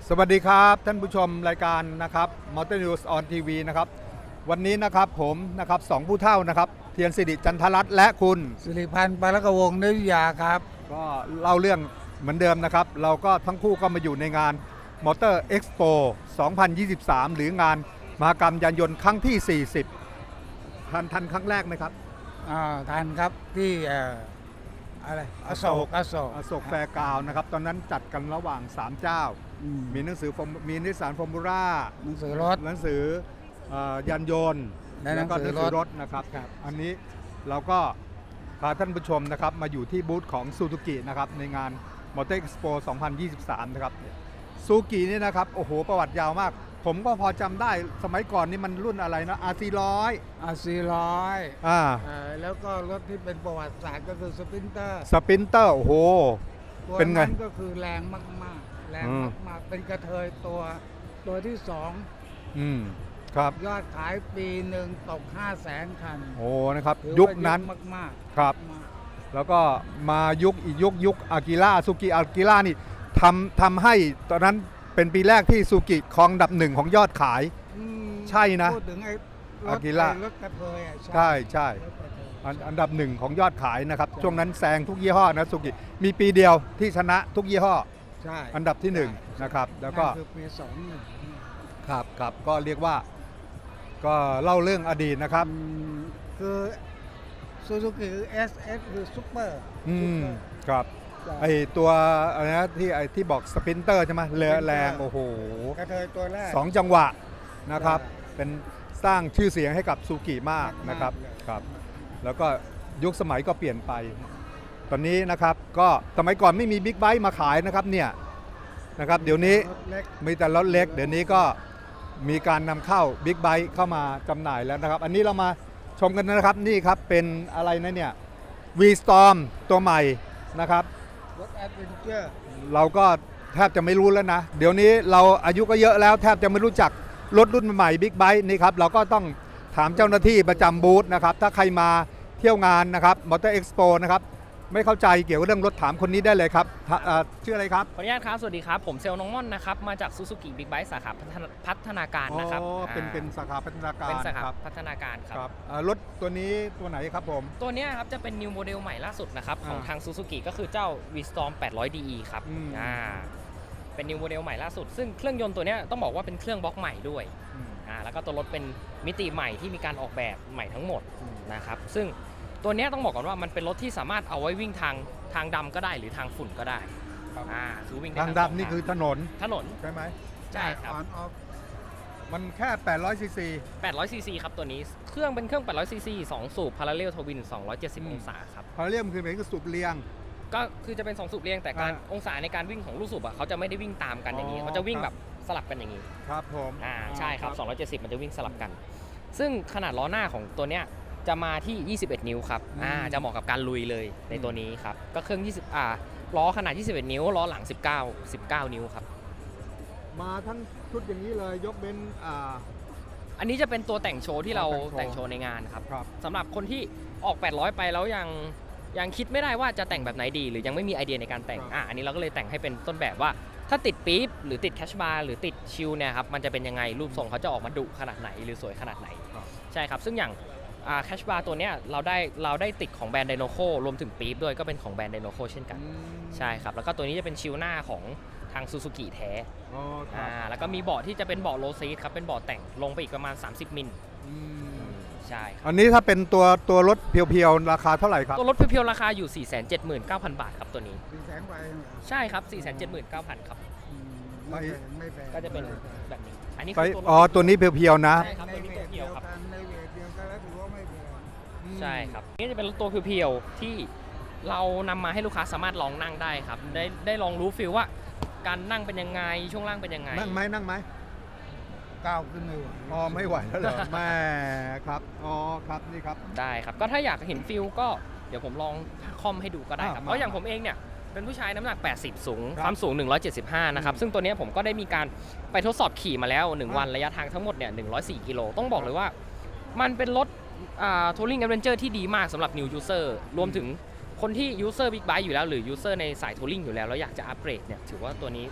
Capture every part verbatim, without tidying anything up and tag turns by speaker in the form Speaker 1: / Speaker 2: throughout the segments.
Speaker 1: สวัสดีครับท่านผู้ชมรายการนะครับ Motor News on ที วี นะครับวันนี้นะครับผมนะครับสองผู้เฒ่านะครับเทียนสิริจันทรัตน์และคุณ
Speaker 2: สิริพันธ์ปาลกวงศ์นิยาครับ
Speaker 1: ก็เล่าเรื่องเหมือนเดิมนะครับเราก็ทั้งคู่ก็มาอยู่ในงาน Motor Expo สองพันยี่สิบสาม หรืองานมหกรรมยานยนต์ครั้งที่ สี่สิบ ทันทันครั้งแรกไหมครับ
Speaker 2: อ่าทันครับที่เอ่ออะไรอโศกอโศก
Speaker 1: อโศกแฟร์กราวน์นะครับตอนนั้นจัดกันระหว่างสามเจ้า
Speaker 2: อืม
Speaker 1: มีหนังสือฟอร์มมีนิสสันฟอร์มูล่า
Speaker 2: หนังสือรถ
Speaker 1: หนังสือเอ่อยานยนต์
Speaker 2: และหนังสือ
Speaker 1: แล้วก็
Speaker 2: รถ
Speaker 1: รถนะครับ
Speaker 2: ครับ
Speaker 1: อันนี้เราก็พาท่านผู้ชมนะครับมาอยู่ที่บูธของซูซูกินะครับในงาน Motor Expo สองพันยี่สิบสาม นะครับซูซูกินี่นะครับโอ้โหประวัติยาวมาก ผมก็พอจำได้สมัยก่อนนี่มันรุ่นอะไรนะ อาร์ สี่ร้อย
Speaker 2: อาสี่ร้อย
Speaker 1: อ่า
Speaker 2: เอ่อแล้วก็รถที่เป็นประวัติศาสตร์ก็คือสปรินเตอร์
Speaker 1: สปินเตอร์โอ้โห
Speaker 2: ตัว
Speaker 1: เป็นไง
Speaker 2: นั้นก็คือแรงมากๆ แรง
Speaker 1: อืม
Speaker 2: มากๆเป็นกระเทยตัวตัวที่สอง
Speaker 1: อืมครับ
Speaker 2: ยอดขายปีหนึ่งตกห้าแสนคัน
Speaker 1: โอ้นะครับ
Speaker 2: ถือ
Speaker 1: ยุค
Speaker 2: ว่า
Speaker 1: นั้น
Speaker 2: มากๆ
Speaker 1: ครับ
Speaker 2: มาก
Speaker 1: แล้วก็มายุคอีกยุคยุคอากิระซูกิอากิระนี่ทำทำให้ตอนนั้นเป็นปีแรกที่ซูกิครองอันดับหนึ่งของยอดขาย
Speaker 2: อืม
Speaker 1: ใช่นะ
Speaker 2: พูดถึงไอ้รถ
Speaker 1: อากิระ
Speaker 2: ไอ้รถกระเทยอ่ะ
Speaker 1: ใช่ใช่
Speaker 2: รถกระเทย
Speaker 1: อันอันดับหนึ่งของยอดขายนะครับ
Speaker 2: ใช่
Speaker 1: ช่วงนั้นแซงทุกยี่ห้อนะซูกิมีปีเดียวที่ชนะทุกยี่ห้อ
Speaker 2: ใช่
Speaker 1: อันดับที่หนึ่งนะครับแล้วก็
Speaker 2: นั่นคือปีสองหนึ่ง
Speaker 1: ครับครับก็เรียกว่าก็เล่าเรื่องอดีตนะครับ
Speaker 2: คือซูซูกิคือ เอส เอส คือซุปเปอร์
Speaker 1: อืมครับไอตัวอะไรนะที่ไอที่บอกสปินเตอร์ใช่ไหมเรือแรงโอ้โห
Speaker 2: กระเทยตัวแรก
Speaker 1: สองจังหวะนะครับ
Speaker 2: ใช่
Speaker 1: เป็นสร้างชื่อเสียงให้กับซูกิมากนะครับ
Speaker 2: มากเลย
Speaker 1: ครับ แล้วก็ยุคสมัยก็เปลี่ยนไป ตอนนี้นะครับก็สมัยก่อนไม่มีบิ๊กไบค์มาขายนะครับเนี่ยนะครับเดี๋ยวนี้
Speaker 2: รถเล็ก
Speaker 1: มีแต่รถเล็ก เดี๋ยวนี้ก็มีการนำเข้าบิ๊กไบค์เข้ามาจำหน่ายแล้วนะครับ อันนี้เรามาชมกันนะครับนี่ครับเป็นอะไรนะเนี่ย V-Storm ตัวใหม่นะครับ
Speaker 2: รถแอดเวนเจอร์
Speaker 1: เราก็แทบจะไม่รู้แล้วนะ เดี๋ยวนี้เราอายุก็เยอะแล้วแทบจะไม่รู้จักรถรุ่นใหม่บิ๊กไบค์นี่ครับเราก็ต้องถามเจ้าหน้าที่ประจำบูธนะครับถ้าใครมาเที่ยวงานนะครับ Motor Expo นะครับไม่เข้าใจเกี่ยวกับเรื่องรถถามคนนี้ได้เลยครับถ้าเอ่อชื่ออะไรครับ
Speaker 3: ขออนุญาตครับ สวัสดีครับ ผมเซลล์น้องม่อนนะครับ มาจากซูซูกิบิ๊กไบค์สาขาพัฒนาพัฒนาการนะครับ
Speaker 1: อ๋อเป็น
Speaker 3: อ่า
Speaker 1: เป็นสาขาพัฒนาการ
Speaker 3: เป็นสาขา
Speaker 1: ครับ
Speaker 3: พัฒนาการค
Speaker 1: ครับ รับเอ่อรถตัวนี้ตัวไหนครับผม
Speaker 3: ตัวเนี้ยครับจะเป็นนิวโมเดลใหม่ล่าสุดนะครับ ของ
Speaker 1: อ่า
Speaker 3: ทางซูซูกิก็คือเจ้า V-Storm แปดร้อย ดี อี ครับ
Speaker 1: อืม
Speaker 3: อ่าเป็นนิวโมเดลใหม่ล่าสุด ซึ่งเครื่องยนต์ตัวเนี้ยต้องบอกว่าเป็นเครื่องบล็อกใหม่ด้วย
Speaker 1: อืม
Speaker 3: อ่าแล้วก็ตัวรถเป็นมิติใหม่ที่มีการออกแบบใหม่ทั้งหมด
Speaker 1: อืม
Speaker 3: นะครับซึ่งตัวเนี้ยต้องบอกก่อนว่ามันเป็นรถที่สามารถเอาไว้วิ่งทางทางดำก็ได้หรือทางฝุ่นก็ได้
Speaker 1: ครับ
Speaker 3: อ่าคือวิ่งได้
Speaker 1: ทาง
Speaker 3: สอ
Speaker 1: ดำนี่คือถนน
Speaker 3: ถนน
Speaker 1: ใช่ไหม
Speaker 3: ใช่ครับ
Speaker 2: ออนออฟ
Speaker 1: มันแค่แปดร้อยซีซี
Speaker 3: แปดร้อยซีซีครับตัวนี้ เครื่องเป็นเครื่องแปดร้อยซีซีสองสูบ Parallel Twin สองร้อยเจ็ดสิบ
Speaker 1: อืม
Speaker 3: องศาครับ
Speaker 1: พาราเรียมคือเป็นสูบเรียง
Speaker 3: ก็คือจะเป็นสองสูบเรียงแต่การ
Speaker 1: อ่า
Speaker 3: องศาในการวิ่งของลูกสูบอ่ะเขาจะไม่ได้วิ่งตามกันอย่างนี้
Speaker 1: อ๋อ
Speaker 3: เขาจะวิ่ง
Speaker 1: ค
Speaker 3: แบ
Speaker 1: รับบ
Speaker 3: สลับกันอย่างนี้
Speaker 1: ครับผม
Speaker 3: อ่าใช่ครับสองร้อยเจ็ดสิบมันจะวิ่งสลับกัน ซึ่งขนาดล้อหน้าของตัวเนี้ยจะมาที่ยี่สิบเอ็ดนิ้วครับอ่าจะเหมาะกับการลุยเลยในตัวนี้ครับก็เครื่องยี่สิบอ่าล้อขนาดยี่สิบเอ็ดนิ้วล้อหลังสิบเก้า สิบเก้านิ้วครับ
Speaker 1: มาทั้งชุดอย่างนี้เลยยกเว้นอ่า
Speaker 3: อันนี้จะเป็นตัวแต่งโชว์ที่เรา
Speaker 1: แต่
Speaker 3: แต่
Speaker 1: ง
Speaker 3: ง
Speaker 1: โช
Speaker 3: โช
Speaker 1: ว์
Speaker 3: ว์ในงานครับ
Speaker 1: ครับ
Speaker 3: สำหรับคนที่ออกแปดร้อยไปแล้วยังยังคิดไม่ได้ว่าจะแต่งแบบไหนดี หรือยังไม่มีไอเดียในการแต่ง
Speaker 1: ครับ
Speaker 3: อ่ะอันนี้เราก็เลยแต่งให้เป็นต้นแบบว่า ถ้าติดปี๊บหรือติดแคชบาร์หรือติดชิลเนี่ยครับมันจะเป็นยังไงรูปทรงเขาจะออกมาดุขนาดไหนหรือสวยขนาดไหน
Speaker 1: ครับ
Speaker 3: ใช่ครับซึ่งอย่างแคชบาร์ตัวเนี้ยเราได้เราได้ติดของแบรนด์ไดโนโครวมถึงปี๊บด้วยก็เป็นของแบรนด์ไดโนโคเช่นกัน
Speaker 1: อืม
Speaker 3: ใช่ครับแล้วก็ตัวนี้จะเป็นชิลหน้าของทางซูซูกิแท้
Speaker 1: อ๋อครั
Speaker 3: อ่า
Speaker 1: บ
Speaker 3: แล้วก็มีเบาะที่จะเป็นเบาะโลซีทครับเป็นเบาะแต่งลงไปอีกประมาณสามสิบมิล
Speaker 1: อืม
Speaker 3: ใช่ครับ
Speaker 1: อันนี้ถ้าเป็นตัวตัวรถเพียวๆ ราคาเท่าไหร่ครับ
Speaker 3: ตัวรถเพียวๆราคาอยู่ สี่แสนเจ็ดหมื่นเก้าพัน บาทครับตัวนี้
Speaker 2: สี่แสนกว่าเองเหรอ
Speaker 3: ใช่ครับ สี่แสนเจ็ดหมื่นเก้าพัน ครับ
Speaker 2: อืมไม่แพงไม่แพง
Speaker 3: ก็จะเป็นแบบนี้ อันนี้
Speaker 1: ไป
Speaker 3: คือตัวรถ
Speaker 1: อ๋อ ตัวนี้เพียวๆ นะ
Speaker 3: ใช่ครับ
Speaker 2: ใน
Speaker 3: ตัวนี้
Speaker 2: เว
Speaker 3: ตัว
Speaker 2: ท
Speaker 3: เพี
Speaker 2: เดี
Speaker 3: ย
Speaker 2: ยว ว
Speaker 3: ครับ
Speaker 2: กันในเวทเดียวกันแล้วถือว่าไม่แพง
Speaker 3: ใช่ครับ นี่จะเป็นตัวเพียวๆที่เรานำมาให้ลูกค้าสามารถลองนั่งได้ครับ ได้ได้ลองรู้ฟิลว่าการนั่งเป็นยังไง ช่วงล่างเป็นยังไง
Speaker 1: นั่งไหมนั่งไหม
Speaker 2: ก้าวขึ้นไม่ไหว
Speaker 1: อ๋อ ไม่ไหวแล้วเหรอ แม่ครับ อ๋อ ครับ นี่ครับ
Speaker 3: ได้ครับ ก็ถ้าอยากเห็นฟิลก็เดี๋ยวผมลองคอมให้ดูก็ได้ครับ
Speaker 1: อ่า
Speaker 3: เพราะอย่างผมเองเนี่ยเป็นผู้ชายน้ำหนัก แปดสิบ สูง
Speaker 1: ครับ
Speaker 3: ความสูง หนึ่งร้อยเจ็ดสิบห้า นะครับ
Speaker 1: อืม
Speaker 3: ซึ่งตัวเนี้ยผมก็ได้มีการไปทดสอบขี่มาแล้ว หนึ่ง
Speaker 1: อ่า
Speaker 3: วันระยะทางทั้งหมดเนี่ยหนึ่งร้อยสี่กิโล ต้องบอกเลยว่ามันเป็นรถอ่า Touring Adventure ที่ดีมากสำหรับ New User รวมถึงคนที่ User Big Bike อยู่แล้วหรือ User ในสาย Touring อยู่แล้วแล้วอยากจะอัปเกรดเนี่ยถือว่าตัวนี้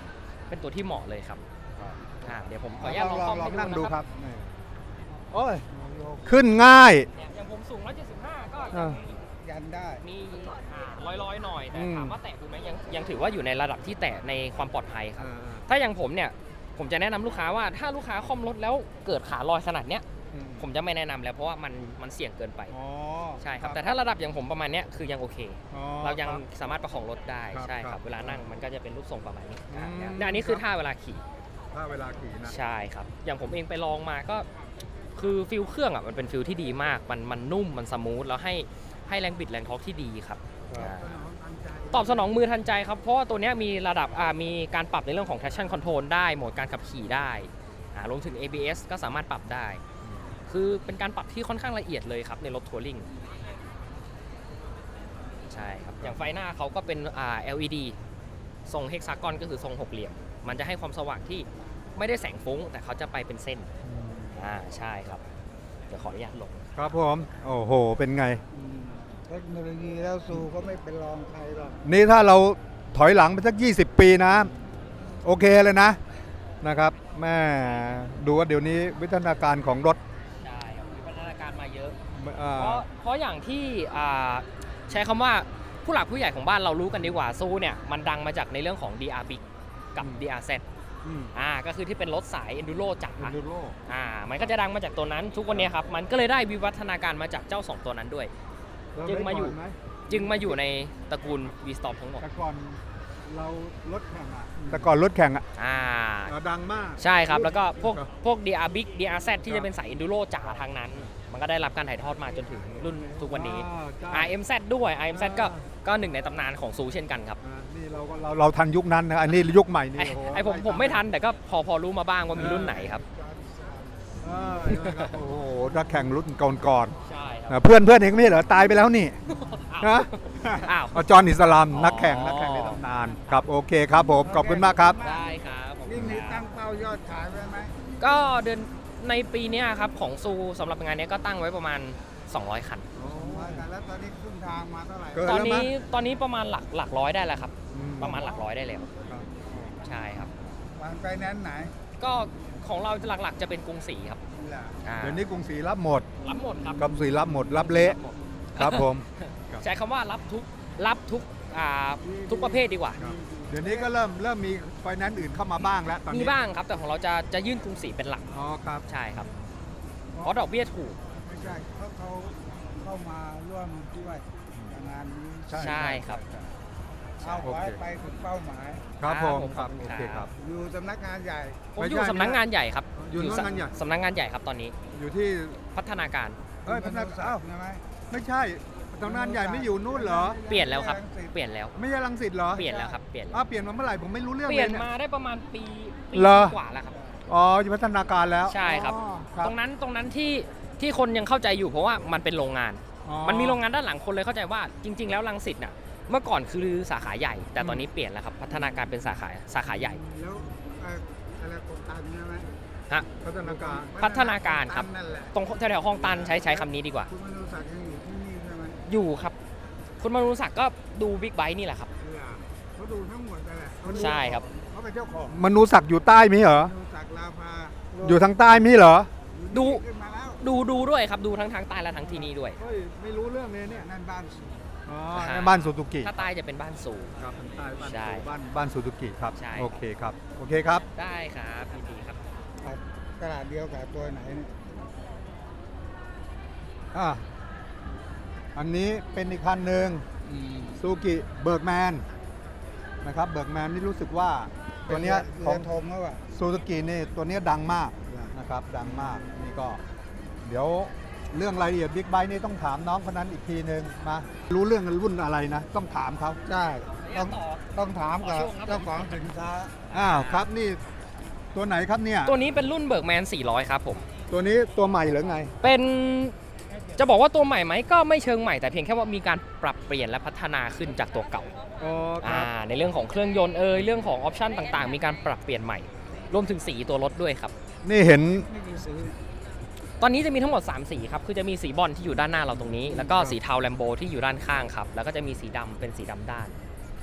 Speaker 3: เป็นตัวที่เหมาะเลยครับอ่าเดี๋ยวผมขออนุญาตลองคอม
Speaker 1: ลอ
Speaker 3: ให้
Speaker 1: ง
Speaker 3: ดู
Speaker 1: นั่งดู
Speaker 3: นะ
Speaker 1: ค
Speaker 3: ค
Speaker 1: รั
Speaker 3: รั
Speaker 1: บบ นี่โอ้ยขึ้นง่าย
Speaker 3: เนี่ยอย่างผมสูงหนึ่งร้อยเจ็ดสิบห้าก็
Speaker 1: อ่า
Speaker 2: ยันได้
Speaker 3: มีอ่าลอยๆหน่อยแต่
Speaker 1: อืม
Speaker 3: ถามว่าแตะดูไหมยังยังถือว่าอยู่ในระดับที่แตะในความปลอดภัยครับถ้าอย่างผมเนี่ยผมจะแนะนำลูกค้าว่าถ้าลูกค้าคอมรถแล้วเกิดขาลอยขนาดเนี้ย
Speaker 1: อืม
Speaker 3: ผมจะไม่แนะนำแล้วเพราะว่ามันมันเสี่ยงเกินไป
Speaker 1: อ๋อ
Speaker 3: ใช่ครับแต่ถ้าระดับอย่างผมประมาณเนี้ยคือยังโอเค
Speaker 1: อ๋อ
Speaker 3: เรายัง
Speaker 1: ครับ
Speaker 3: สามารถประคองรถได้
Speaker 1: ครับ
Speaker 3: ใช่ค
Speaker 1: ครั
Speaker 3: รับบ เวลานั่งมันก็จะเป็นรูปทรงประมาณนี้
Speaker 1: อืม
Speaker 3: อ่าเนี่ยอันนี้คือท่าเวลาขี่
Speaker 1: ถ้าเวลาขี่นะ
Speaker 3: ใช่ครับ อย่างผมเองไปลองมาก็คือฟิลเครื่องอ่ะมันเป็นฟิลที่ดีมาก มันมันนุ่มมันสมูทแล้วให้ให้แรงบิดแรงทอร์กที่ดีครับ
Speaker 1: ครับ
Speaker 3: อ่าตอบสนองมือทันใจครับ เพราะว่าตัวเนี้ยมีระดับอ่ามีการปรับในเรื่องของ traction control ได้โหมดการขับขี่ได้อ่ารวมถึง เอ บี เอส ก็สามารถปรับได้ คือเป็นการปรับที่ค่อนข้างละเอียดเลยครับในรถทัวริงใช่ครับ อย่างไฟหน้าเขาก็เป็นอ่า แอล อี ดี ทรงเฮกซากอนก็คือทรงหกเหลี่ยม มันจะให้ความสว่างที่ไม่ได้แสงฟุ้ง แต่เขาจะไปเป็นเส้น อ่าใช่ครับ เดี๋ยวขออนุญาตลง
Speaker 1: ครับผม โอ้โห เป็นไง
Speaker 2: อืมเทคโนโลยีแล้วซูก็ไม่เป็นรองใครหรอก
Speaker 1: นี่ถ้าเราถอยหลังไปสัก ยี่สิบ ปีนะ โอเคเลยนะ นะครับ แม่ดูว่าเดี๋ยวนี้วิทยาการของรถ
Speaker 3: ใช่ครับมีพัฒนาการมาเยอะ
Speaker 1: อ่า
Speaker 3: เพราะเพราะอย่างที่อ่าใช้คำว่าผู้หลักผู้ใหญ่ของบ้านเรารู้กันดีกว่าซูเนี่ยมันดังมาจากในเรื่องของ ดี อาร์ Big กับ ดี อาร์ แซด
Speaker 1: อืม
Speaker 3: อ่าก็คือที่เป็นรถสาย Enduro จ๋า
Speaker 1: ดูโล
Speaker 3: อ่ามันก็จะดังมาจากตัวนั้นทุกวันนี้ครับมันก็เลยได้วิวัฒนาการมาจากเจ้าสองตัวนั้นด้วย จึงมาอยู่ จึงมาอยู่ในตระกูล V-Storm ทั้งหมด
Speaker 1: แต่ก่อนเรารถแข่งอะแต่ก่อนรถแข่งอะ
Speaker 3: อ่า
Speaker 1: ดังมาก
Speaker 3: ใช่ครับ แล้วก็พวก
Speaker 1: ครับ
Speaker 3: พวก ดี อาร์ Big ดี อาร์ แซด ที่
Speaker 1: ครั
Speaker 3: จะ
Speaker 1: บ
Speaker 3: เป็นสาย Enduro จ๋าทางนั้น มันก็ได้รับการถ่ายทอดมาจนถึงรุ่นทุกวันนี้
Speaker 1: อ่าใช่
Speaker 3: อาร์ เอ็ม แซด ด้วย อาร์ เอ็ม แซด ก็
Speaker 1: อ่า
Speaker 3: ก็หนึ่งในตำนานของซูเช่นกันครับ
Speaker 1: อ่านี่เราก็เราเราทันยุคนั้นนะอันนี้ยุคใหม่นี่
Speaker 3: ไอ้
Speaker 1: โโห
Speaker 3: ไอผมผมไม่ทันแต่ก็พอพอรู้มาบ้างว่ามีรุ่นไหนครับ
Speaker 1: เออนะครับโอ้โหถ้าแข่งรุ่นก่อน
Speaker 3: ใช่ค
Speaker 1: ๆ
Speaker 3: รับ
Speaker 1: นะเพื่อนเพื่อนเองไม่ใช่เหรอตายไปแล้วนี่
Speaker 3: อ้าว
Speaker 1: ฮะ
Speaker 3: อ้าว
Speaker 1: อาจอห์นอิสลาม
Speaker 3: อ๋อ
Speaker 1: นักแข่งนักแข่งในตำนานครับโอเคครับผมขอบคุณมากครับ
Speaker 3: ได้ครับผม
Speaker 2: นี่มีตั้งเป้ายอดขายไว้ไหม
Speaker 3: ก็เดือนในปีเนี้ยครับของซูสำหรับงานเนี้ยก็ตั้งไว้ประมาณ สองร้อย คัน
Speaker 2: ว่ากันแล้วตอนนี้ครึ่งทางมาเท่าไหร่
Speaker 1: เกิ
Speaker 3: ตอน
Speaker 1: แล้วมั้
Speaker 3: นี้
Speaker 1: ย
Speaker 3: ตอนนี้ประมาณหลักหลักร้อยได้แล้วครับ
Speaker 1: อื
Speaker 3: ประมาณหลักร้อยได้แล้ว
Speaker 1: ครับ
Speaker 3: ใช่ครับ
Speaker 2: วางไปแนนซ์ไหน
Speaker 3: ก็ของเราหลักๆจะเป็นกรุงศรีครับ
Speaker 2: นี่แหละ
Speaker 3: อ่า
Speaker 1: เดี๋ยวนี้กรุงศรีรับหมด
Speaker 3: รับหมดครับ
Speaker 1: กรุงศรีรับหมดรับเละ
Speaker 3: รับหมด
Speaker 1: ครับผม
Speaker 3: ใช้คำว่ารับทุกรับทุกอ่าทุกประเภทดีกว่า
Speaker 1: ครับเดี๋ยวนี้ก็เริ่มเริ่มมีไฟแนนซ์อื่นเข้ามาบ้างแล้วตอน
Speaker 3: มี
Speaker 1: นี้
Speaker 3: บ้างครับแต่ของเราจะจะยื่นกรุงศรีเป็นหลัก
Speaker 1: อ๋อครับ
Speaker 3: ใช่ครับ เพราะดอกเบี้ยถูก
Speaker 2: ไม่ใช่เขาเขาเข้ามาร่วมด้วยกับงานนี้
Speaker 3: ใช่ครับ
Speaker 2: เอาไว้ไปถึงเป้าหมาย
Speaker 1: ครับผม
Speaker 3: ครับ
Speaker 1: ครับ
Speaker 3: ผม
Speaker 1: โอเคครับ
Speaker 2: อยู่สำนักงานใหญ่
Speaker 3: ผม
Speaker 1: ไม่
Speaker 3: อยู่
Speaker 1: ใช่
Speaker 3: สำนักงานใหญ่ครับ
Speaker 1: อยู่สำนักงานใหญ่
Speaker 3: สำนักงานใหญ่ครับตอนนี้
Speaker 1: อยู่ที่
Speaker 3: พัฒนาการ
Speaker 1: เอ้ยพนัก
Speaker 2: คุณ
Speaker 1: อ้าว
Speaker 2: ใช่ไหม
Speaker 1: ไม่ใช่สำนักงานใหญ่ไม่อยู่นู่นเหรอ
Speaker 3: เปลี่ยนแล้วครับ เปลี่ยนแล้ว
Speaker 1: ไม่ใช่รังสิตเหรอ
Speaker 3: เปลี่ยนแล้วครับ เปลี่ยนแล้ว
Speaker 1: อ้าวเปลี่ยนมาเมื่อไหร่ผมไม่รู้เรื่อง
Speaker 3: เป
Speaker 1: เล
Speaker 3: ลี่ย
Speaker 1: ย
Speaker 3: น
Speaker 1: เนี่ย
Speaker 3: มาได้ประมาณปีปี
Speaker 1: เหรอ
Speaker 3: กว่าแล้วครับ
Speaker 1: อ๋ออยู่พัฒนาการแล้ว
Speaker 3: ใช่ครับ
Speaker 1: อ๋อครับ
Speaker 3: ตรงนั้นตรงนั้นที่ที่คนยังเข้าใจอยู่เพราะว่ามันเป็นโรงงาน
Speaker 1: อ๋อ
Speaker 3: มันมีโรงงานด้านหลังคนเลยเข้าใจว่าจริง ๆ แล้วรังสิตน่ะเมื่อก่อนคือสาขาใหญ่ แต่ตอนนี้เปลี่ยนแล้วครับพัฒนาการเป็นสาขาสาขาใหญ่
Speaker 2: แล้วเอ่ออะไรโครงการใช่ไหม
Speaker 3: ฮะ
Speaker 1: พัฒนาการ
Speaker 3: พัฒนาการครับ
Speaker 2: นั่นแหละ
Speaker 3: ตรงแถวๆคลองตันใช้ใช้คำนี้ดีกว่า
Speaker 2: คุณมนุศักดิ์ยังอยู่ที่นี่ใช่ไหม
Speaker 3: อยู่ครับ คุณมนุศักดิ์ก็ดูบิ๊กไบค์นี่แหละครับ
Speaker 2: เนี่ยเขาดูทั้งหมดนั่นแหละเขาดู
Speaker 3: ใช่ครับ
Speaker 2: เขาเป็นเจ้าของ
Speaker 1: มนูศักดิ์อยู่ใต้มิเหรอ
Speaker 2: มนุศักดิ์ลาภา
Speaker 1: อยู่ทางใต้มิเหรอ
Speaker 3: ดู
Speaker 2: ขึ้นมาแล้ว
Speaker 3: ดูดูด้วยครับดูทั้งทางใต้และทางที่นี่ด้วย
Speaker 1: เฮ้ยไม่รู้เรื่องเลยเนี่ย
Speaker 2: นั่นบ้าน
Speaker 1: อ๋อ
Speaker 3: อ่า
Speaker 1: ในบ้านซูซูกิ
Speaker 3: ถ้าใต้จะเป็นบ้านสูง
Speaker 1: ครับทางใต้บ้าน
Speaker 3: ใช่
Speaker 1: บ้านบ้านซูซูกิครับ
Speaker 3: ใช่
Speaker 1: โอเคครับโอเคครับ
Speaker 3: ได้ครับยินดีครับ
Speaker 2: ตลาดเดียวกับตัวไหนเนี่ย
Speaker 1: อ่ะอันนี้เป็นอีกคันหนึ่งซูกิเบิร์กแมนนะครับเบิร์กแมนนี่รู้สึกว่าตัวเนี้ย
Speaker 2: เรือ
Speaker 1: ของ
Speaker 2: ธงเขาอะ
Speaker 1: ซูซูกินี่ตัวเนี้ยดังมากนะครับดังมากนี่ก็ เดี๋ยวเรื่องรายละเอียดบิ๊กไบค์นี่ต้องถามน้องคนนั้นอีกทีหนึ่งมารู้เรื่องรุ่นอะไรนะ ต้องถามเขา
Speaker 2: ใช่ต้องต้องถามกับ
Speaker 3: ขอช่วงครับ
Speaker 2: เจ้าของสินค้า
Speaker 1: อ้าวครับนี่ตัวไหนครับเนี่ย
Speaker 3: ตัวนี้เป็นรุ่นเบิร์กแมนสี่ร้อยครับผม
Speaker 1: ตัวนี้ตัวใหม่หรือไง
Speaker 3: เป็นจะบอกว่าตัวใหม่ไหมก็ไม่เชิงใหม่แต่เพียงแค่ว่ามีการปรับเปลี่ยนและพัฒนาขึ้นจากตัวเก่า
Speaker 1: อ๋อค
Speaker 3: อ่า
Speaker 1: รับ
Speaker 3: ในเรื่องของเครื่องยนต์เอยเรื่องของออปชันต่างๆ มีการปรับเปลี่ยนใหม่ รวมถึงสีตัวรถด้วยครับ
Speaker 1: นี่เห็น
Speaker 2: ไม่กี่สี
Speaker 3: ตอนนี้จะมีทั้งหมดสามสีครับคือจะมีสีบอลที่อยู่ด้านหน้าเราตรงนี้ แล้วก็สีเทาแลมโบที่อยู่ด้านข้างครับแล้วก็จะมีสีดำเป็นสีดำด้าน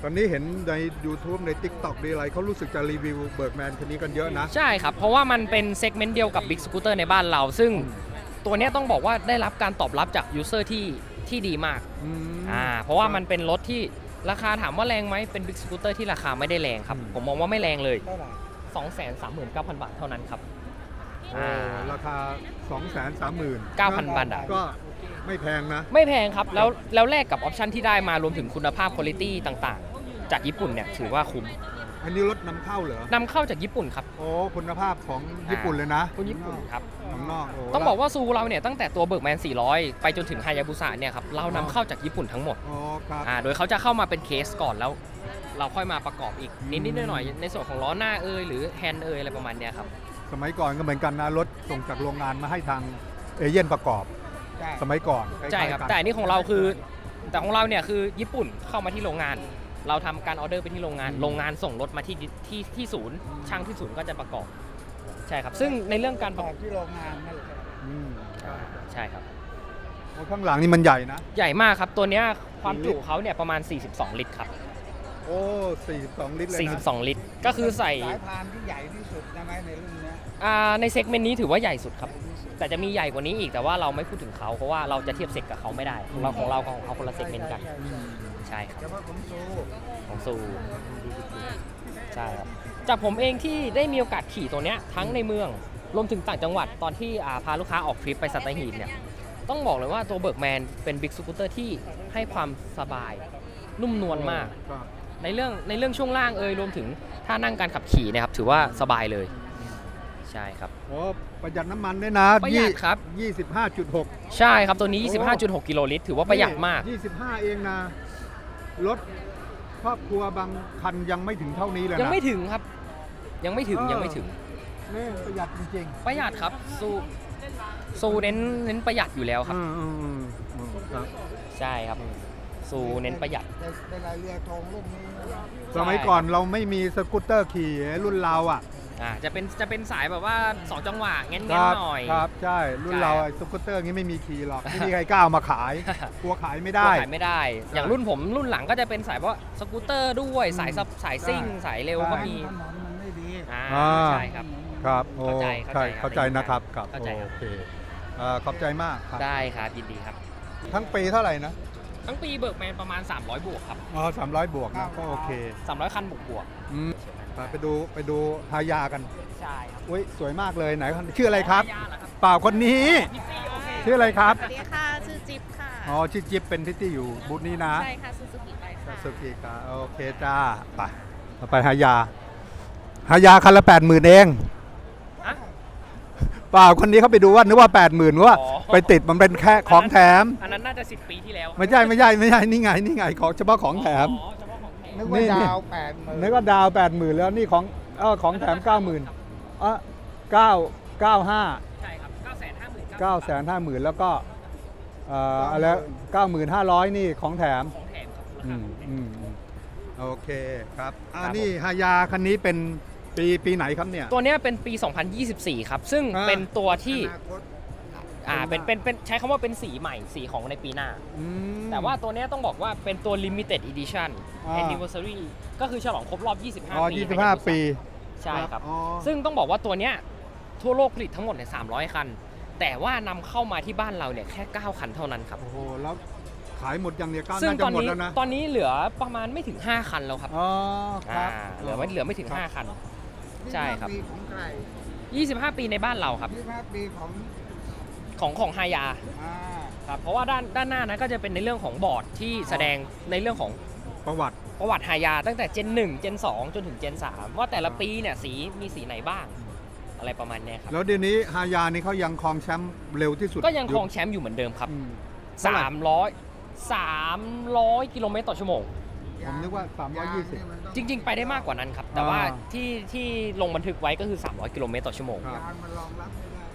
Speaker 1: ตอนนี้เห็นใน YouTube ใน TikTok ดีอะไรเขารู้สึกจะรีวิวเบิร์กแมนคันนี้กันเยอะนะ
Speaker 3: ใช่ครับ เพราะว่ามันเป็นเซกเมนต์เดียวกับ Big Scooter ในบ้านเรา ซึ่งตัวเนี้ยต้องบอกว่าได้รับการตอบรับจากยูเซอร์ที่ที่ดีมาก
Speaker 1: อืม
Speaker 3: อ่าเพราะว่ามันเป็นรถที่ราคาถามว่าแรงไหมเป็น Big Scooter ที่ราคาไม่ได้แรงครับ
Speaker 1: อืม
Speaker 3: ผมมองว่าไม่แรงเลย
Speaker 2: เท่าไหร่
Speaker 3: สองแสนสามหมื่นเก้าพัน บาทเท่านั้นครับ
Speaker 1: โอ้
Speaker 3: อ่า
Speaker 1: ราคา สองแสนสามหมื่น
Speaker 3: เก้าพัน บาทอะ
Speaker 1: ก็ไม่แพงนะ
Speaker 3: ไม่แพงครับ แล้วแล้วแลกกับออปชันที่ได้มารวมถึงคุณภาพคุณภาพต่างๆ จากญี่ปุ่นเนี่ยถือว่าคุ้ม
Speaker 1: อันนี้รถนำเข้าเหรอ
Speaker 3: นำเข้าจากญี่ปุ่นครับ
Speaker 1: โอ้คุณภาพของญี่ปุ่นเลยนะ
Speaker 3: คุณญี่ปุ่นครับ
Speaker 1: ของนอกโ
Speaker 3: ต้องบอกว่าซูเราเนี่ยตั้งแต่ตัวเบิร์กแมนสี่ร้อยไปจนถึงฮายาบุสะเนี่ยครับเรานำเข้าจากญี่ปุ่นทั้งหมด
Speaker 1: โอ้ครับ
Speaker 3: อ่าโดยเขาจะเข้ามาเป็นเคสก่อนแล้ว เราค่อยมาประกอบอีกนิดๆหน่อยๆในส่วนของล้อหน้าเอยหรือแฮนด์เอยอะไรประมาณเนี้ยครับ
Speaker 1: สมัยก่อนก็เหมือนกันนะรถส่งจากโรงงานมาให้ทางเอเย่นประกอบ
Speaker 2: ใช่
Speaker 1: สมัยก่อน
Speaker 3: ใช่ครับ
Speaker 1: ล้ายๆกัน
Speaker 3: แต่อันนี้ของเราคือแต่ของเราเนี่ยคือญี่ปุ่นเข้ามาที่โรงงาน เราทำการออเดอร์ไปที่โรงงาน โรงงานส่งรถมาที่ที่ที่ศูนย์ช่างที่ศูนย์ก็จะประกอบใช่ครับ ซึ่งในเรื่องการ
Speaker 2: ป
Speaker 3: ประ
Speaker 2: ระ
Speaker 3: ก
Speaker 2: ก
Speaker 3: อ
Speaker 2: อบบ ที่โรงงานนั่นแหละ
Speaker 1: อืม
Speaker 3: ใช่ครับ
Speaker 1: โอ้ข้างหลังนี่มันใหญ่นะ
Speaker 3: ใหญ่มากครับตัวเนี้ยความจุเขาเนี่ยประมาณ สี่สิบสอง ลิตรครับ
Speaker 1: โอ้สี่สิบสองลิตรเลยนะ
Speaker 3: สี่สิบสอง ลิตร ก็คือใส่
Speaker 2: สายพานที่ใหญ่ที่สุดใช่ไหมในรุ่นเนี้ย
Speaker 3: อ่าในเซกเมนต์นี้ถือว่าใหญ่สุดครับ แต่จะมีใหญ่กว่านี้อีกแต่ว่าเราไม่พูดถึงเขาเพราะว่าเราจะเทียบเซกกับเขาไม่ได้ของเราของเราของเขาคนละเซกเมนต์กัน
Speaker 2: ใช่ใช่ใช่
Speaker 3: ใช่ครับ
Speaker 2: เฉพาะของซู
Speaker 3: ของซูใช่ครับจากผมเองที่ได้มีโอกาสขี่ตัวเนี้ยทั้งในเมืองรวมถึงต่างจังหวัดตอนที่อ่าพาลูกค้าออกทริปไปสัตหีบเนี่ยต้องบอกเลยว่าตัวเบิร์กแมนเป็นบิ๊กสกูตเตอร์ที่ให้ความสบายนุ่มนวลมาก
Speaker 1: ครับ
Speaker 3: ในเรื่องในเรื่องช่วงล่างเอยรวมถึงท่านั่งการขับขี่เนะครับถือว่าสบายเลยใช่ครับ
Speaker 1: โอ้ประหยัดน้ำมันด้วยนะ
Speaker 3: ประหยัดครับ
Speaker 1: ยี่สิบห้าจุดหก
Speaker 3: ใช่ครับตัวนี้ ยี่สิบห้าจุดหก กิโลลิตรถือว่าประหยัดมาก
Speaker 1: ยี่สิบห้าเองนะ รถครอบครัวบางคันยังไม่ถึงเท่านี้เลยนะ
Speaker 3: ยังไม่ถึงครับ ยังไม่ถึง
Speaker 1: เออ
Speaker 3: ยังไม่ถึง
Speaker 1: นี่ประหยัดจริง
Speaker 3: ประหยัดครับสู้สู้เน้นเน้นประหยัดอยู่แล้ว
Speaker 1: ๆ
Speaker 3: ครับ
Speaker 1: อืมอืมอืมอืมครับ
Speaker 3: ใช่ครับสู้เน้นประหยัด
Speaker 2: ในในรายเรือธงรุ่นนี้นะ
Speaker 1: สมัยก่อนเราไม่มีสกูตเตอร์ขี่รุ่นเราอ่ะ
Speaker 3: อ่าจะเป็นจะเป็นสายแบบว่าสองจังหวะเงี้ย
Speaker 1: ครับ
Speaker 3: หน่อย
Speaker 1: ครับใช่รุ่น
Speaker 3: ใช่
Speaker 1: เรา
Speaker 3: ครับ
Speaker 1: ไอ้สกูตเตอร์งี้ไม่มีขี่หรอกไม่มีใครกล้าเอามาขาย กลัวขายไม่ได้
Speaker 3: ขายไม่ได้ อย่างรุ่นผมรุ่นหลังก็จะเป็นสายว่าสกูตเตอร์ด้วยสายซับสายซิ่ง สายเร็วก็มี
Speaker 2: ถนนมันไม่ดี
Speaker 3: อ่า
Speaker 1: อ่า
Speaker 3: ใช่ครับ
Speaker 1: ครับโอ้
Speaker 3: เข้าใจ
Speaker 1: ใช่
Speaker 3: เข้า
Speaker 1: เข้า
Speaker 3: ใจ
Speaker 1: ใจ
Speaker 3: ครับ
Speaker 1: นะครับครับ
Speaker 3: เข้าใจครับ
Speaker 1: โอเคเอ่อขอบใจมากครับ
Speaker 3: ได้ครับยินดีครับ
Speaker 1: ทั้งปีเท่าไหร่นะ
Speaker 3: ทั้งปีเบิกแมนประมาณ สามร้อย บวกครับ
Speaker 1: อ๋อสามร้อยบวกนะก็โอเค
Speaker 3: สามร้อย คันบวกบวก
Speaker 1: อืมไปไปดูไปดูฮายากัน
Speaker 3: ใช่ครับ
Speaker 1: อุ้ยสวยมากเลยไหนชื่ออะไรครับ
Speaker 3: ยาเหรอครับ
Speaker 1: เปล่าคนนี้
Speaker 3: นิตตี้โอเค
Speaker 1: ชื่ออะไรครับ
Speaker 4: สวัสดีค่ะ ชื่อจิ๊บค่ะ
Speaker 1: อ๋อชื่อจิ๊บเป็นพิตตี้อยู่บูธนี้นะ
Speaker 4: ใช่ค่ะซูซูกิไปค่ะ
Speaker 1: สุกีกาโอเคจ้าไปเราไปฮายาฮายาคันละแปดหมื่นเอง
Speaker 3: อะ
Speaker 1: เปล่าคนนี้เขาไปดูว่านึกว่าแปดหมื่นว่า
Speaker 3: อ๋อ
Speaker 1: ไปติดมันเป็นแค่ของแถม
Speaker 3: อันนั้นน่าจะสิบปีที่แล้ว
Speaker 1: ไม่ใช่ไม่ใช่ไม่ใช่นี่ไงนี่ไงของเฉพาะของแถม
Speaker 3: อ๋อเฉพาะของแถม
Speaker 2: นึกว่า
Speaker 1: นี่
Speaker 2: ดาวแปดหมื่น
Speaker 1: นึกว่าดาวแปดหมื่นแล้วนี่ของเออของแถมเก้าหมื่นเออเก้าเก้าห้า
Speaker 3: ใช่ครับเก้าแสนห้าหมื่น
Speaker 1: เก้าแสนห้าหมื่นแล้วก็เอ่ออะไรเก้าหมื่นห้าร้อยนี่ของแถม
Speaker 3: ของแถมครับ
Speaker 1: อืมอืมอืมโอเคครับอ่า
Speaker 3: ครับ
Speaker 1: นี่ฮายาคันนี้เป็นปีปีไหนครับเนี่ย
Speaker 3: ตัวเนี้ยเป็นปี สองพันยี่สิบสี่ ครับ ซึ่ง
Speaker 1: อ่า
Speaker 3: เป็นตัวที่
Speaker 2: อนาคต
Speaker 3: อ่าเป็นเป็นเป็นใช้คำว่าเป็นสีใหม่สีของในปีหน้า
Speaker 1: อืม
Speaker 3: แต่ว่าตัวเนี้ยต้องบอกว่าเป็นตัว limited edition
Speaker 1: อ่า
Speaker 3: anniversary ก็คือฉลองครบรอบ ยี่สิบห้า
Speaker 1: อ๋อ
Speaker 3: ปี
Speaker 1: ยี่สิบห้า
Speaker 3: ให้กับ
Speaker 1: ปี
Speaker 3: ใช่ครับ
Speaker 1: อ๋อ
Speaker 3: ซึ่งต้องบอกว่าตัวเนี้ยทั่วโลกผลิตทั้งหมดเนี่ยสามร้อย คัน แต่ว่านำเข้ามาที่บ้านเราเนี่ยแค่ เก้า คันเท่านั้นครับ
Speaker 1: โอ้โหแล้วขายหมดยังเนี่ยก็
Speaker 3: ซึ่ง
Speaker 1: น่า
Speaker 3: ต
Speaker 1: จะ
Speaker 3: อน
Speaker 1: หมด
Speaker 3: นี้
Speaker 1: แล้วนะ
Speaker 3: ตอนนี้เหลือประมาณไม่ถึง ห้า คันแล้วครับ
Speaker 1: อ๋อครับ
Speaker 3: อ่าเหลือไม่เหลือไม่ถึง ห้า คัน ใช่ครับ
Speaker 2: ยี่สิห้าปีของใคร
Speaker 3: ยี่สิบห้า ปีในบ้านเราครับ
Speaker 2: ยี่สิบห้าปีของ
Speaker 3: ของของฮายา
Speaker 2: อ่า
Speaker 3: ครับเพราะว่าด้านด้านหน้านั้นก็จะเป็นในเรื่องของบอร์ดที่แสดงในเรื่องของ
Speaker 1: ประวัติ
Speaker 3: ประวัติฮายาตั้งแต่เจนหนึ่งเจนสองจนถึงเจนสามว่าแต่ละปีเนี่ยสีมีสีไหนบ้าง อะไรประมาณเนี้ยครับ
Speaker 1: แล้วเดี๋ยวนี้ฮายานี่เขายังครองแชมป์เร็วที่สุด
Speaker 3: ก็ยังครองแชมป์อยู่เหมือนเดิมครับ
Speaker 1: อืม เท่าไหร่
Speaker 3: สามร้อย สามร้อย กิโลเมตรต่อชั่วโมง
Speaker 1: ผมนึกว่าสามร้อยยี่สิบ
Speaker 2: างนี่มันต้อง
Speaker 3: จริง ๆ ไปได้มากกว่านั้นครับ แต่ว่า
Speaker 1: อ่า
Speaker 3: ที่ที่ลงบันทึกไว้ก็คือ สามร้อย กิโลเมตรต่อชั่วโมง
Speaker 1: ครับ
Speaker 2: ยางมันรองรับไม่ได้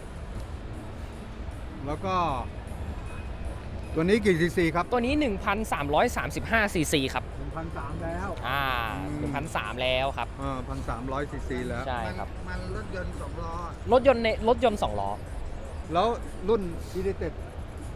Speaker 1: แล้วก็ ตัวนี้กี่ซีซีครับ
Speaker 3: ตัวนี้ หนึ่งพันสามร้อยสามสิบห้า ซีซีครับ
Speaker 1: หนึ่งพันสามแล้ว
Speaker 3: อ่า
Speaker 1: อืม
Speaker 3: หนึ่งพันสามแล้วครับ
Speaker 1: เออพันสามร้อยซีซีแล้ว
Speaker 3: ใช่ครับ
Speaker 2: มันมันรถยนต์สองล้อ
Speaker 3: รถยนต์ในรถยนต์สองล้อ
Speaker 1: แล้วรุ่นอีดิเต็ด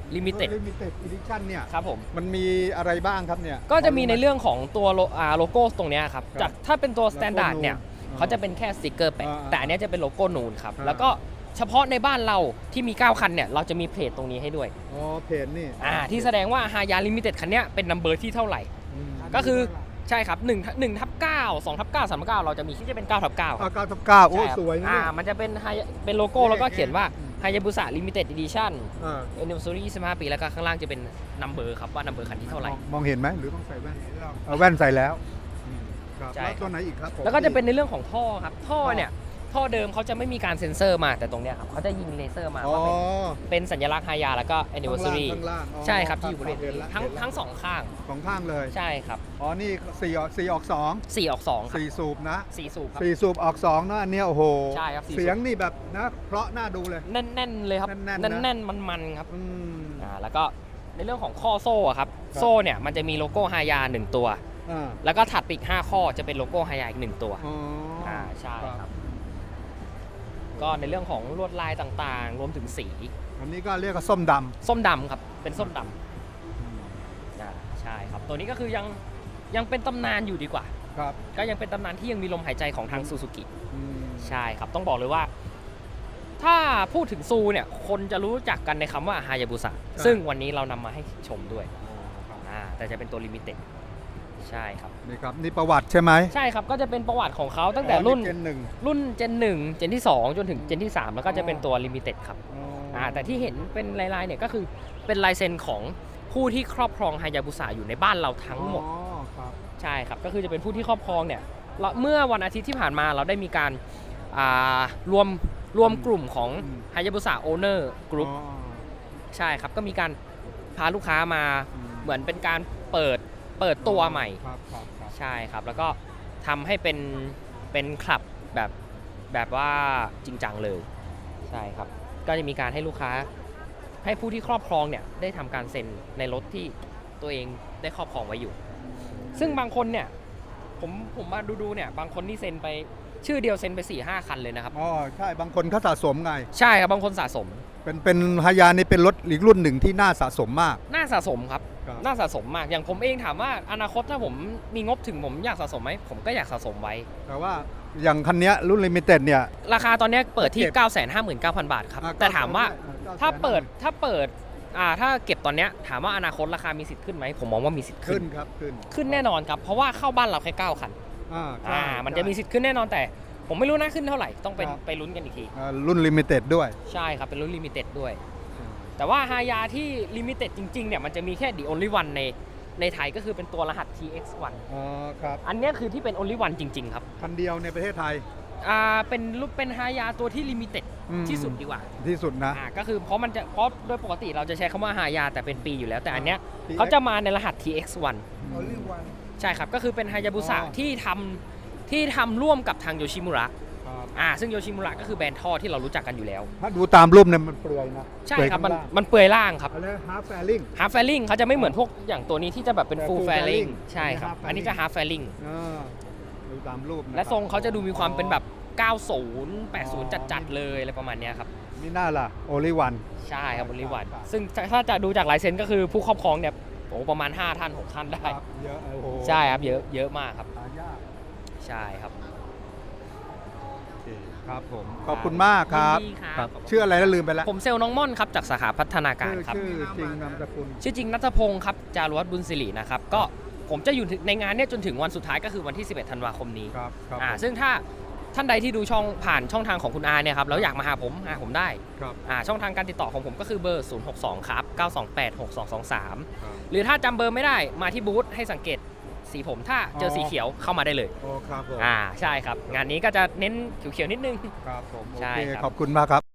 Speaker 3: ลิมิเต็ด
Speaker 1: ลิมิเต็ดอีดิชั่นเนี่ย
Speaker 3: ครับผม
Speaker 1: มันมีอะไรบ้างครับเนี่ย
Speaker 3: ก็จะมีในเรื่องของตัวโลอ่าโลโก้ตรงเนี้ยครับ
Speaker 1: ครับ
Speaker 3: จากถ้าเป็นตัวสแตนดาร์ด
Speaker 1: โลโก้นูน
Speaker 3: เนี่ย
Speaker 1: อ่า
Speaker 3: เขาจะเป็นแค่สติกเกอร์แปะ
Speaker 1: อ่า
Speaker 3: แต่อันเนี้ยจะเป็นโลโก้นูนครับ
Speaker 1: อ่า
Speaker 3: แล้วก็เฉพาะในบ้านเราที่มีเก้าคันเนี่ยเราจะมีเพจตรงนี้ให้ด้วย
Speaker 1: อ๋อเพจนี่
Speaker 3: อ่าที่แสดงว่าฮายาลิมิเต็ดคันเนี้ยเป็นนัมเบอร์ที่เท่าไหร่
Speaker 1: อืม
Speaker 3: ก็คือใช่ครับ1 1ทับเก้า สองทับเก้า สามทับเก้าเราจะมีที่จะเป็นเก้าทับเก้า
Speaker 1: อ่าเก้าทับเก้าโอ้
Speaker 3: ใช่ครับ
Speaker 1: สวยนะ
Speaker 3: อ่า
Speaker 1: เนี่ย
Speaker 3: มันจะเป็น Haya- เป็นโลโก้แล้วก็เขียนว่า Hayabusa Limited Edition
Speaker 1: อ่า
Speaker 3: Anniversary ยี่สิบห้า ปีแล้วก็ข้างล่างจะเป็นนัมเบอร์ครับว่านัมเบอร์คันที่เท่าไหร่
Speaker 1: มองมองเห็นไหมหรือต้องใส่แว่นเอาแว่นใส่แล้วอืมครับ
Speaker 3: ใช่
Speaker 1: แล้ว
Speaker 3: ครับ
Speaker 1: ตัวไหนอีกครับผม
Speaker 3: แล้วก็จะเป็นในเรื่องของท่อครับ ท่อ
Speaker 1: ท่อ
Speaker 3: เนี่ย ท่อเดิมเขาจะไม่มีการเซ็นเซอร์มาแต่ตรงเนี้ยครับเขาจะยิงเลเซอร์มา
Speaker 1: อ๋อ
Speaker 3: ว่าเป็นเป็นสัญลักษณ์ฮายาแล้วก็ Anniversary
Speaker 1: ข้างล่างข้างล่างอ๋อ
Speaker 3: ใช่ครับที่อยู่บริเวณ
Speaker 1: เห็น
Speaker 3: นี้
Speaker 1: ละ
Speaker 3: ทั้ง
Speaker 1: เห็นละ
Speaker 3: ทั้งสองข้าง
Speaker 1: สองข้างเลย
Speaker 3: ใช่ครับ
Speaker 1: อ๋อนี่สี่ออกสี่ออกสอง
Speaker 3: สี่ออกสองครับ
Speaker 1: สี่สูบนะ
Speaker 3: สี่สูบครับ
Speaker 1: สี่สูบออกสองนะอันเนี้ยโอ้โห
Speaker 3: ใช่ครับสี่สูบ
Speaker 1: เสียงนี่แบบนะเพราะน่าดูเลย
Speaker 3: แน่นๆเลยครับ
Speaker 1: แน่นๆนะ
Speaker 3: แน่นๆมันๆครับ
Speaker 1: อืม
Speaker 3: อ่าแล้วก็ในเรื่องของข้อโซ่อะครับ
Speaker 1: ครับ
Speaker 3: โซ่เนี่ยมันจะมีโลโก้ฮายาหนึ่งตัว
Speaker 1: อ่า
Speaker 3: แล้วก็ถัดไปอีกห้าข้อจะเป็นโลโก้ฮายาอีกหนึ่งตัว
Speaker 1: อ๋ออ่
Speaker 3: อ่าใช่ครับ ก็ในเรื่องของลวดลายต่างๆ รวมถึงสี
Speaker 1: อันนี้ก็เรียกว่าส้มด
Speaker 3: ส้มดำครับเป็นส้มด
Speaker 1: ำ
Speaker 3: ำอ่าใช่ครับตัวนี้ก็คือยังยังเป็นตำนานอยู่ดีกว่า
Speaker 1: ครับ
Speaker 3: ก็ยังเป็นตำนานที่ยังมีลมหายใจของทางซูซูกิ
Speaker 1: อืม
Speaker 3: ใช่ครับต้องบอกเลยว่า ถ้าพูดถึงซูเนี่ยคนจะรู้จักกันในคำว่าฮายาบุสะซึ่งวันนี้เรานำมาให้ชมด้วย
Speaker 1: อ๋อครับ
Speaker 3: อ่าแต่จะเป็นตัวลิมิเต็ดใช่ครับ
Speaker 1: นี่ครับนี่ประวัติใช่ไหม
Speaker 3: ใช่ครับก็จะเป็นประวัติของเขาตั้งแต่รุ่น
Speaker 1: เจนหนึ่ง
Speaker 3: รุ่นเจนหนึ่งเจนที่สองจนถึงเจนที่สามแล้วก็จะเป็นตัวลิมิเต็ดครับ
Speaker 1: อ๋อ
Speaker 3: อ่าแต่ที่เห็นเป็นลายๆเนี่ยก็คือเป็นลายเซ็นของผู้ที่ครอบครองฮายาบุสะอยู่ในบ้านเราทั้งหมด
Speaker 1: อ๋อครับ
Speaker 3: ใช่ครับก็คือจะเป็นผู้ที่ครอบครองเนี่ยเราเมื่อวันอาทิตย์ที่ผ่านมาเราได้มีการอ่ารวมรวมกลุ่มของฮายาบุสะโอเนอร์กรุ๊ป
Speaker 1: อ๋อ
Speaker 3: ใช่ครับก็มีการพาลูกค้ามา
Speaker 1: อืม
Speaker 3: เหมือนเป็นการเปิดเปิดตัวใหม่
Speaker 1: ครับครับครับ
Speaker 3: ใช่ครับแล้วก็ทำให้เป็นเป็นคลับแบบแบบว่าจริงจังเลยใช่ครับก็จะมีการให้ลูกค้าให้ผู้ที่ครอบครองเนี่ยได้ทำการเซ็นในรถที่ตัวเองได้ครอบครองไว้อยู่ ซึ่งบางคนเนี่ยผมผมมาดูดูๆเนี่ยบางคนนี่เซ็นไปชื่อเดียวเซ็นไป4ี่ห้าคันเลยนะครับ
Speaker 1: อ๋อใช่บางคนเขาสะสมไง
Speaker 3: ใช่ครับบางคนสะสม
Speaker 1: เป็นเป็นฮายานี่เป็นรถอีกรุ่นหนึ่งที่น่าสะสมมาก
Speaker 3: น่าสะสมครับ
Speaker 1: ครับ
Speaker 3: น่าสะสมมากอย่างผมเองถามว่าอนาคตถ้าผมมีงบถึงผมอยากสะสมไหมผมก็อยากสะสมไว้
Speaker 1: แต่ว่าอย่างคันเนี้ยรุ่นลิมิเต็ดเนี่ย
Speaker 3: ราคาตอนเนี้ยเปิดที่
Speaker 1: เก็บ
Speaker 3: เก้าแสนห้าหมื่นเก้าพัน บาทครับ
Speaker 1: อ่ะ
Speaker 3: แต่ถามว่า
Speaker 1: เก้แสน
Speaker 3: ถ้าเปิดถ้าเปิดอ่าถ้าเก็บตอนเนี้ยถามว่าอนาคตราคามีสิทธิ์ขึ้นไหมผมมองว่ามีสิทธิ์ขึ้
Speaker 1: ขึ้
Speaker 3: น
Speaker 1: นครับขึ้น
Speaker 3: ขึ้นแน่นอนครับ เพราะว่าเข้าบ้านเราแค่เก้าคัน
Speaker 1: อ่าใช่
Speaker 3: อ่ามันจะมี
Speaker 1: ใช่
Speaker 3: สิทธิ์ขึ้นแน่นอนแต่ผมไม่รู้นะขึ้นเท่าไหร่ต้องเป็น
Speaker 1: ครับ
Speaker 3: ไปลุ้นกันอีกที
Speaker 1: อ่ารุ่นลิมิเต็ดด้วย
Speaker 3: ใช่ครับ เป็นรุ่นลิมิเต็ดด้วย แต่ว่าฮายาที่ลิมิเต็ดจริงๆเนี่ยมันจะมีแค่ the only one ในในไทยก็คือเป็นตัวรหัส ที เอ็กซ์ วัน
Speaker 1: อ๋อครับ
Speaker 3: อันเนี้ยคือที่เป็น only one จริงๆครับ
Speaker 1: คันเดียวในประเทศไทย
Speaker 3: อ่าเป็นรูปเป็นฮายาตัวที่ลิมิเต็ด
Speaker 1: อืม
Speaker 3: ที่สุดดีกว่า
Speaker 1: ที่สุดนะ
Speaker 3: อ่าก็คือเพราะมันจะเพราะโดยปกติเราจะใช้คำว่าฮายาแต่เป็นปีอยู่แล้วแต่อันเนี้ย
Speaker 1: ที
Speaker 3: เขาจะมาในรหัส ที เอ็กซ์ วัน
Speaker 1: only one
Speaker 3: ใช่ครับ ก็คือเป็นฮายาบุสะ
Speaker 1: อ๋อ
Speaker 3: ที่ทำที่ทำร่วมกับทางโยชิมุระ
Speaker 1: ครับ
Speaker 3: อ่าซึ่งโยชิมุระก็คือแบรนด์ท่อที่เรารู้จักกันอยู่แล้ว
Speaker 1: ถ้าดูตามรูปเนี่ยมันเปลือยนะ
Speaker 3: ใช่ครับ
Speaker 1: เปลื
Speaker 3: มัน
Speaker 1: อยข้างล่าง
Speaker 3: มันเปลือยล่างครับ
Speaker 1: อะไรฮาร์ฟแฟลิง
Speaker 3: ฮาร์ฟแฟลิงเขาจะไม่เหมือนพวกอย่างตัวนี้ที่จะแบบเป็น
Speaker 1: แต่
Speaker 3: ฟูล
Speaker 1: full
Speaker 3: แฟลิง
Speaker 1: fairing
Speaker 3: ใช่ครับ
Speaker 1: อันนี้
Speaker 3: อันนี้จะ
Speaker 1: half
Speaker 3: ฮาร์ฟแฟลิง
Speaker 1: ดูตามรูปนคบ
Speaker 3: และทรงเขาจะดูมีความเป็นแบบ เก้าสิบ แปดสิบ
Speaker 1: อ๋อ
Speaker 3: จัดๆเลยอะไรประมาณเนี้ยครับ
Speaker 1: นี่น่าล่ะ only one
Speaker 3: ใช่ครับบริวัน
Speaker 1: ครับ
Speaker 3: ซึ่งถ้าจะดูจากลายเซ็นก็คือผู้ครอบครองเนี่ยโอ้ประมาณห้าท่านหกท่านได้
Speaker 1: ครับเยอะโอ้โห
Speaker 3: ใช่ครับเยอะเยอะมากครับ
Speaker 1: หายาก
Speaker 3: ใช่ครับ
Speaker 1: โอเคครับผมขอบคุณมากครับ
Speaker 3: ยินดีครับ
Speaker 1: ชื่ออะไรแล้วลืมไปแล้ว
Speaker 3: ผมเซลล์น้องม่อนครับจากสาขาพัฒนาการ
Speaker 1: ชื่อ
Speaker 3: ครับ
Speaker 1: ชื่อจริงนามสกุล
Speaker 3: ชื่อจริงนัทพงศ์ครับจารุวัฒน์บุญศิรินะครับก็ผมจะอยู่ในงานเนี่ยจนถึงวันสุดท้ายก็คือวันที่สิบเอ็ดธันวาคมนี้
Speaker 1: ครับครับ
Speaker 3: อ่า
Speaker 1: ผม
Speaker 3: ซึ่งถ้าท่านใดที่ดูช่องผ่านช่องทางของคุณอาเนี่ยครับแล้วอยากมาหาผมหาผมได้
Speaker 1: ครับ
Speaker 3: อ่าช่องทางการติดต่อของผมก็คือเบอร์ศูนย์ หก สอง ครับ เก้า สอง แปด หก สอง สอง สาม
Speaker 1: ครับ
Speaker 3: หรือถ้าจำเบอร์ไม่ได้มาที่บูธให้สังเกตสีผมถ้าเจอสีเขียวเข้ามาได้เลย
Speaker 1: โอ้ครับผม
Speaker 3: อ่าใช่ครับ งานนี้ก็จะเน้นเขียวๆนิดนึง
Speaker 1: ครับผมโอ
Speaker 3: ใช่
Speaker 1: เค
Speaker 3: ครับ
Speaker 1: ขอบคุณมากครับ